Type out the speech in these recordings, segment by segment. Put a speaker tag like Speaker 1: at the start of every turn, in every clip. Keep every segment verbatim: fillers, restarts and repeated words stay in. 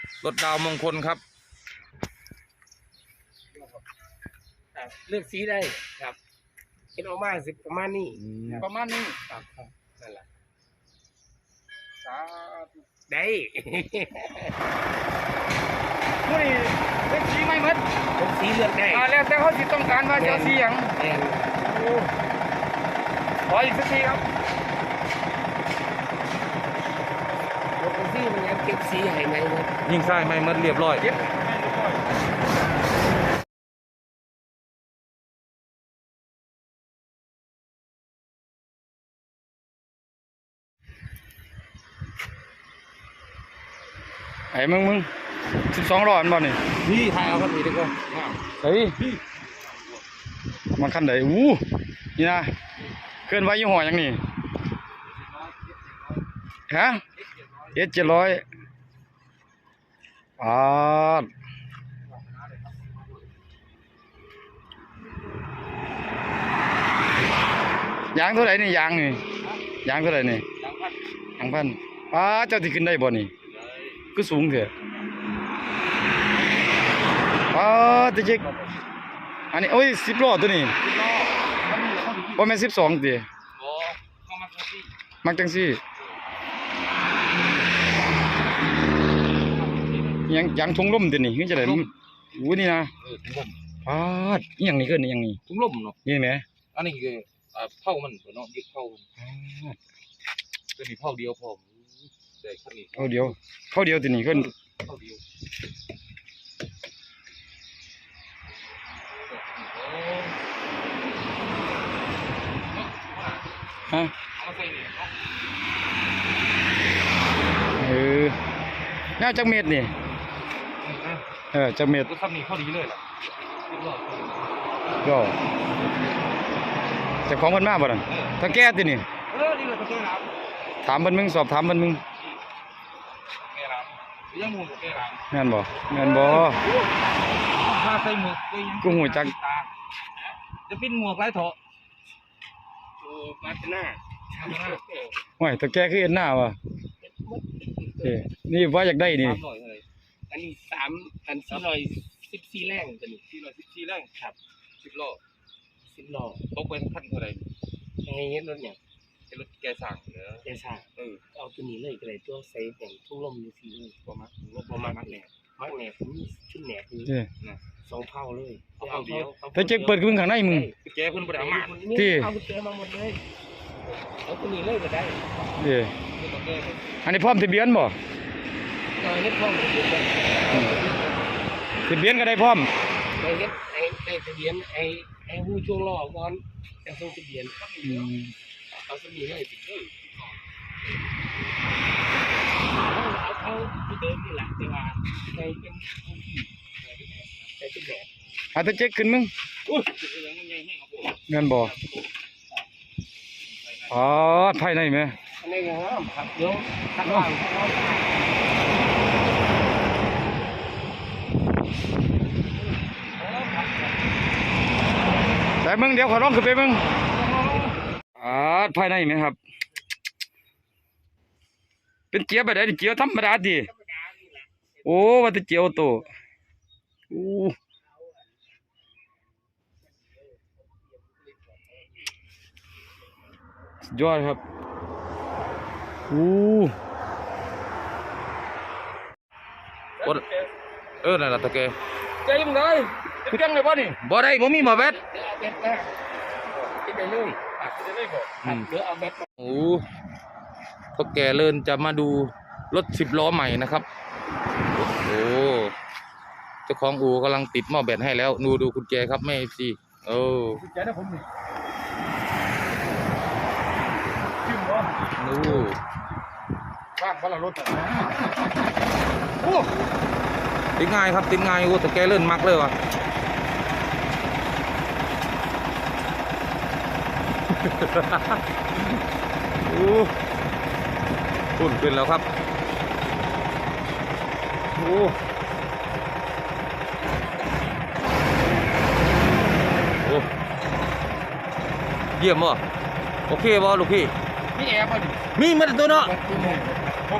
Speaker 1: รถดาวมงคลครับ
Speaker 2: เลือกสีได้ครับเป็นออกมาสิประมาณนี้
Speaker 1: ประมาณนี้
Speaker 2: ครับครับนั่นแหละ
Speaker 1: สา
Speaker 2: ได้
Speaker 1: ผู้นี้เลือกสีไม่หมด
Speaker 2: เลือกสีเลือกได้
Speaker 1: แล้วแต่เขาสิต้องการว่าจะสีอย่างขออีกสักทีครับ
Speaker 2: รถสีมันยังเก็บสีให้ไหมหมด
Speaker 1: ยิงใส่ไม่หมดเรียบร้อยไอ้มึงมึงสิบสองร้อยมันบ่นี่
Speaker 2: นี่ถ่ายเอาครับนี่ดีกว่า
Speaker 1: เฮ้ยมันคันไหนอู้นี่นะเกินไว้ยี่ห้ออย่างนี้ฮะเอสเจ็ดร้อยอ่ายางเท่าไหร่นี่ยางนี่ยางเท่าไหร่นี่ยางพันอ่าเจ้าที่ขึ้นได้บ่นี่ก็สูงเถอะอ่าตะเจ๊กอันนี้โอ้ยสิบล้อตัวนี้ว่าแม่สิบสองตีมักจังซี่ยังยังทงล่มตัวนี้นี่จะได้อู้นี่นะอ่าอีหยังนี่เกินนี่ยังนี่
Speaker 3: ทุ่งล่มเนาะ
Speaker 1: นี่ไหม
Speaker 3: อันนี้คือเผามันเนาะยึดเผาตัวนี้เผาเดียวพอได้ขั้นนี้
Speaker 1: เผาเดียวเผาเดียวตัวนี้เกิน
Speaker 3: เผาเดียว
Speaker 1: ฮะเออแนวจักเม็ดนี่เออจักเม็ด
Speaker 3: ก็ทำนี่เข้าดีเลยล่ะ
Speaker 1: ก็จะของเพิ่นมาบ่นั่นถ้าแก้ตินี่
Speaker 3: เออนี่แหละตะแก้น้
Speaker 1: ำถามเพิ่นมึงสอบถามเพิ่นมึง
Speaker 3: แก้น้ำยังมูแก้น้ำ
Speaker 1: แม่นบ่แม่นบ่
Speaker 3: ถ้าใส่หมวก
Speaker 1: กูหูจัก
Speaker 3: จะปิ้นหมวกไรเถอะ
Speaker 2: โอ้มาหน้า
Speaker 1: โอ้ยถ้าแก้คือเอ็นหน้าวะเอ้นี่ว่าอยากได้นี่
Speaker 2: อันนี้สามอันสี่ร้อยสิบสี่แรงตัวนี้
Speaker 3: สี่ร้อยสิบสี่แรง
Speaker 2: ครับ
Speaker 3: สิบล้อ
Speaker 2: สิบล้อ
Speaker 3: ตกเป็นขั้นเท่าไร
Speaker 2: ไงเงี้ยรถเนี่ย
Speaker 3: เป็นรถแกสั่งเนอะ
Speaker 2: แกสั่งเออเอาตัวนี้เลยก็เลยตัวใส่แบ่งทุ่งลมอยู่สี่เลยประมาณรถประมาณแหนมักแหนผมชุดแหนคือสองเท่าเลย
Speaker 3: เอาเท่าเดียว
Speaker 1: ถ้าเจ๊กเปิดมึงข้างในมึง
Speaker 3: แกเพิ่นบ่ได้เอามา
Speaker 2: ที่เอากุญแจมาหมดเลยเอาตัวนี้เลยก็ได้
Speaker 1: เด้อันนี้พร้อมทะเบียนบ่
Speaker 2: เออเฮ็ดพร้อมทะเบียน
Speaker 1: ทะเบียนก็ได้พร้อม
Speaker 2: ไอ้เฮ็ดไอ้ไอ้ทะเบียนไอ้ไอ้หูช่วงล้อก่อนจะส่งทะเบียนเอาสมีให้ติดเลยเอาเขาเดิมนี่แหละแต่ว่าในเป็นผู้ที่ในเป็นแบบ
Speaker 1: อาถ้าเจ๊กขึ้นมึงเงินบ่อ๋อภายในไหม
Speaker 2: อันนี้ไงครับเดี๋ยวข้างล่าง
Speaker 1: แต่มึงเดี๋ยวขอร้องขึ้นไปมึงอ่าภายในไหมครับเป็นเจียวแบบไหนเจียวธรรมดาดีโอ้ว่าจะเจียวโตโอ้ยอดครับโอ้เออนั่นแหละตะเกียบ
Speaker 2: เจ๊ยังไงเจ๊งเลยบ่นี่
Speaker 1: บ่ได้บ่มีหมอแบต
Speaker 2: เบ็ดนะกินได้เลยกินได้เลยบ่เดี๋ยวเอาแบต
Speaker 1: โอ้พวกแกเลินจะมาดูรถสิบล้อใหม่นะครับโอ้เจ้าของอู่กำลังติดหม้อแบตให้แล้วดูดูคุณแจครับแม่ซีโอ้
Speaker 2: คุณแจนะผมนี่
Speaker 1: ดู
Speaker 2: บ้านบ้านเรารถ
Speaker 1: โอ้ติดง่ายครับติดง่ายโอ้แต่แกเลินมักเลยวะโอ้ปุ่นขึ้นแล้วครับโอ้โอ้เยี่ยมว่ะโอเคบ่ลูกพี่
Speaker 2: มีแอร์ป่ะดิ
Speaker 1: มีมันตัวเนาะ
Speaker 2: ผมเอง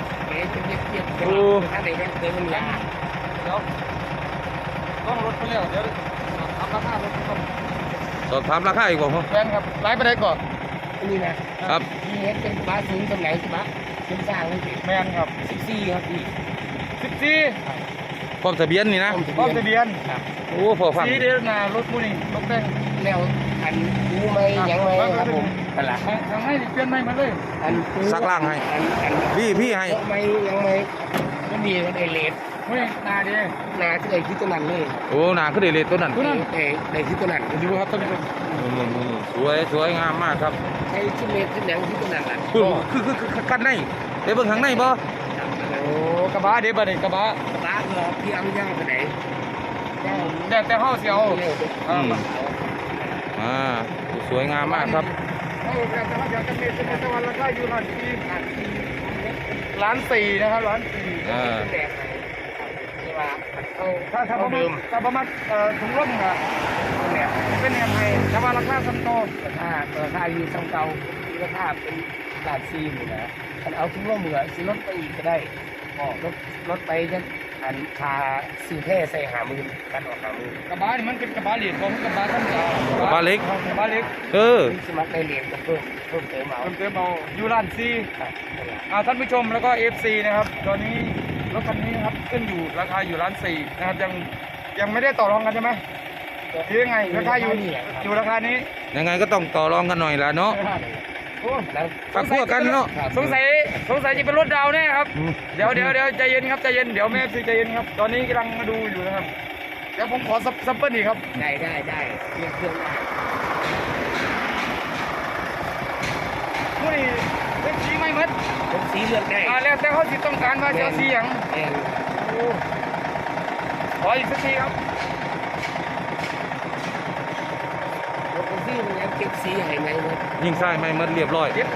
Speaker 2: เป็นเรียบเรียบเรียบถ้าไหนเนี่ยเดินมันยา
Speaker 3: เดี๋ยวต้องรถไปแล้วเดี๋ยวทำราคารถก่อน
Speaker 1: สอบถามราคาอีกบ่พ่อ
Speaker 3: แฟนครับไล่ไปได้ก่อน
Speaker 2: อันนี้นะครับ มีเห็ดเป็นบ้าสูงสมัยใช่ไหมเป็นสร้างเลยสิ
Speaker 3: แมนครับ
Speaker 2: สิบสี่ครับพี่
Speaker 3: สิบสี่
Speaker 1: พร้อมทะเบียนนี่นะ
Speaker 3: พร้อมทะเบียน
Speaker 2: ครับ
Speaker 1: โอ้พอฟัง
Speaker 3: สีเดียวหนารถมูนี่รถแดง
Speaker 2: แล้วอันรู้ไหมยังไหมครับผมตลาด
Speaker 3: ทางทางให้เปลี่ยนใหม่มาเลย
Speaker 2: อัน
Speaker 1: ซักล่างให้
Speaker 2: อันอัน
Speaker 1: พี่พี่ให้
Speaker 2: ยังไหมยังไหมก็มีกันไอเลด
Speaker 3: เฮ้ยนาดี
Speaker 2: นาที่ไอคิดตัวนั้นเลย
Speaker 1: โอ้หนาขึ้นเลยตัวนั้น
Speaker 3: ตัวนั้น
Speaker 2: ไอไอคิดตัวนั้น
Speaker 3: ดูครับท่านผู้ชม
Speaker 1: อืมๆสวยสวยงามมากครับ
Speaker 2: ไอคิดเลดคิดแหนงคิดตัวนั้นแหละ
Speaker 1: คือคือคือคือกันในไปเบิ่งข้างในบ่
Speaker 3: โอ้กระบะเดี๋ยวบัดนี้กระบะ
Speaker 2: กระบะเหรอพี่เอาย่างไปไหนย่าง
Speaker 3: แต่แต่ห้าเสียว
Speaker 2: เร็ว
Speaker 3: อ่า
Speaker 1: อ่าสวยงามมากครับ
Speaker 3: โอ้แต่แต่ว่าอยากจะมีเป็นตะวันราคาอยู่ร้านสี่ล้านสี่นะครับล้านสี่
Speaker 1: อ่า
Speaker 2: แดกนี่ว่าเขา
Speaker 3: ถ้าถ้า
Speaker 2: เขา
Speaker 3: ประมา
Speaker 2: เดิ
Speaker 3: ณ
Speaker 2: ม
Speaker 3: ถ้าประมาณเอ่อถุงร่มอ่ะ
Speaker 2: เนี่ย
Speaker 3: เป็นแอมไฮแต่ว่าราคาซัมโต
Speaker 2: ราคาราคาอยู่ช่างเก่าราคาเป็นหลานซีอยู่นะคันเอาทุกร่วมมือซื้อรถไปอีกก็ได้รถรถไปจะอันคาซื้อแท้ใส่หามือกันออกหามือก
Speaker 3: ระบะนี่มันเป็นกระบะเหล็กของกระบะธรรมดาก
Speaker 1: ระบะเล็ก
Speaker 3: กระบะเล็ก
Speaker 1: เออ
Speaker 2: นี่สมัครได้เรียนก็เพิ่มเพิ่มเติมเอา
Speaker 3: เติมเติมเอาอยู่ร้านสี่
Speaker 2: ครับนั่นแหละ
Speaker 3: อ่าท่านผู้ชมแล้วก็ เอฟ ซี นะครับ ตอนนี้รถคันนี้นะครับขึ้นอยู่ราคาอยู่ล้านสี่นะครับยังยังไม่ได้ต่อรองกันใช่ไหมหรือยังไงราคาอยู่อยู่ราคานี้
Speaker 1: ยังไงก็ต้องต่อรองกันหน่อยละเนาะ
Speaker 3: โอ้
Speaker 2: แล้ว
Speaker 1: ฝากพวกกันเนาะ
Speaker 3: สงสัยสงสัยจะเป็นรถดาวแน่ครับ
Speaker 1: อืม
Speaker 3: เดี๋ยวเดี๋ยวเดี๋ยวใจเย็นครับใจเย็นเดี๋ยวแม่ซีใจเย็นครับตอนนี้กำลังมาดูอยู่นะครับเดี๋ยวผมขอซับซับเปิลอีกครับ
Speaker 2: ได้ได้ได้เรียกเครื่องได้
Speaker 3: ผู้นี่เป็นสีไม่หมด
Speaker 2: ผมสีเลือกได้
Speaker 3: อ่าแล้วแต่เขาสิต้องการว่าจะเอาสีอย่าง
Speaker 2: แอน
Speaker 3: โอ้ขออีกสักทีครับ
Speaker 2: ผมสีมันยังเก็บสีให้ไงหมด
Speaker 1: ยิงใส่ไม่หมดเรียบร้อย
Speaker 3: เย็บ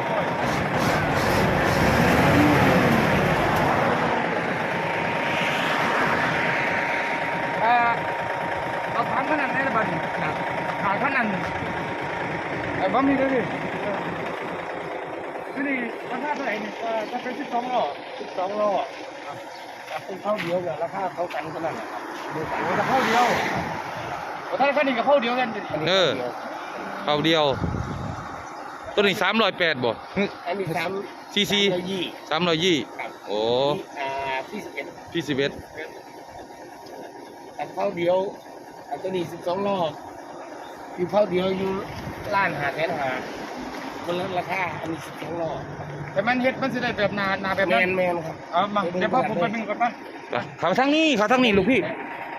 Speaker 3: อ่าเอาถามขนาดไหนละบัดนี้ครับถามขนาดไอ้บ้ามีด้วยดิที่นี่ราคาเท่าไหร่นี่อ่าถ้าเป็นสิบสองล้อ
Speaker 2: สิบสองล้อครับเป็นเท่าเดียวกับราคาเท่ากันเท่านั้นแหละครับดูกัน
Speaker 3: โอ้แต่เข้าเดียวโอ้ถ้าคันนี้กับเข้าเดียวกันดิ
Speaker 1: เออ เข้าเดียว ตัวนี้สามร้อยแปดบ่
Speaker 2: อันนี้สาม
Speaker 1: ซีซี
Speaker 2: ร้อยยี่
Speaker 1: สามร้อยยี่
Speaker 2: ครับ
Speaker 1: โอ้
Speaker 2: อ่าที่สิบเอ็ด
Speaker 1: พี่สิบเอ็ด
Speaker 2: อันเท่าเดียวอันตัวนี้สิบสองล้ออยู่เท่าเดียวอยู่ล้านหาแสนหาคนละราคาอันนี้สิบสองล้อ
Speaker 3: แต่มันเฮ็ดมันสิได้แบบหนาหนาแบบ
Speaker 2: แม
Speaker 3: นั้น
Speaker 2: นแมนครับ
Speaker 3: เอามาเดี๋ยวพ่อผมไปดึงก่อนมา
Speaker 1: ไปเขาทางนี้เขาทางนี้ลูกพี่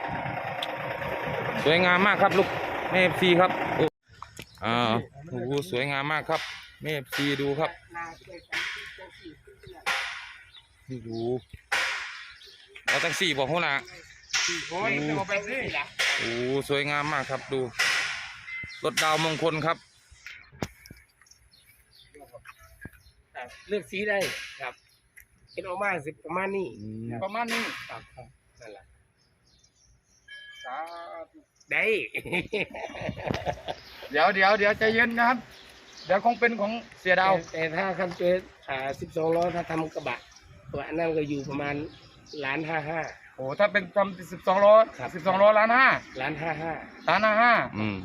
Speaker 1: สวยงามมากครับลูกแม่เอฟซีครับโอ้อ่าโอ้โหสวยงามมากครับแม่เอฟซีดูครับนี่ดูเอาตั้งสี่บอกหัวหน้า
Speaker 3: โอ้ยจะเอาไปสิ
Speaker 1: โอ้โหสวยงามมากครับดูรถดาวมงคลครับ
Speaker 2: ครับเลือกสีได้ครับเป็นออกมาสิประมาณนี้
Speaker 3: ประมาณนี้
Speaker 2: ครับครับนั่นแหละ
Speaker 3: สาธุ
Speaker 2: ได้
Speaker 3: เดี๋ยวเดี๋ยวเดี๋ยวใจเย็นนะครับ เดี๋ยวคงเป็นของเสียดาว
Speaker 2: แต่ถ้าคันเป็นอ่าสิบสองล้อถ้าทำกระบะตัวอันนั้นก็อยู่ประมาณล้านห้าห้า
Speaker 3: โอ้ถ้าเป็นทำสิบสองล้อ
Speaker 2: ครับ
Speaker 3: สิบสองล้อล้านห้า
Speaker 2: ล้านห้าห้า
Speaker 3: ล้านห้าห้า
Speaker 1: อืม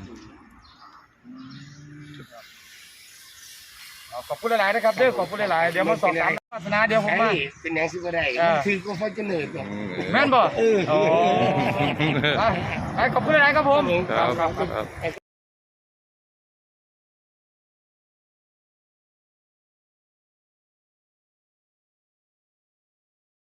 Speaker 3: เอาขอบคุณหลายๆนะครับเด้อขอบคุณหลายๆเดี๋ยวมาสอบถามศาสนาเดี๋ยวผมมา
Speaker 2: ไอ้เป็นอย่างสิบ่ได้
Speaker 3: อ่า
Speaker 2: มันถือก็พอจะเหนื่อยกว่า
Speaker 3: แม่นบ่
Speaker 2: เออ
Speaker 3: โอ้ไปขอบคุณหลายๆครับผม
Speaker 2: ครับ
Speaker 1: ครับ
Speaker 2: ครับ
Speaker 1: ครับ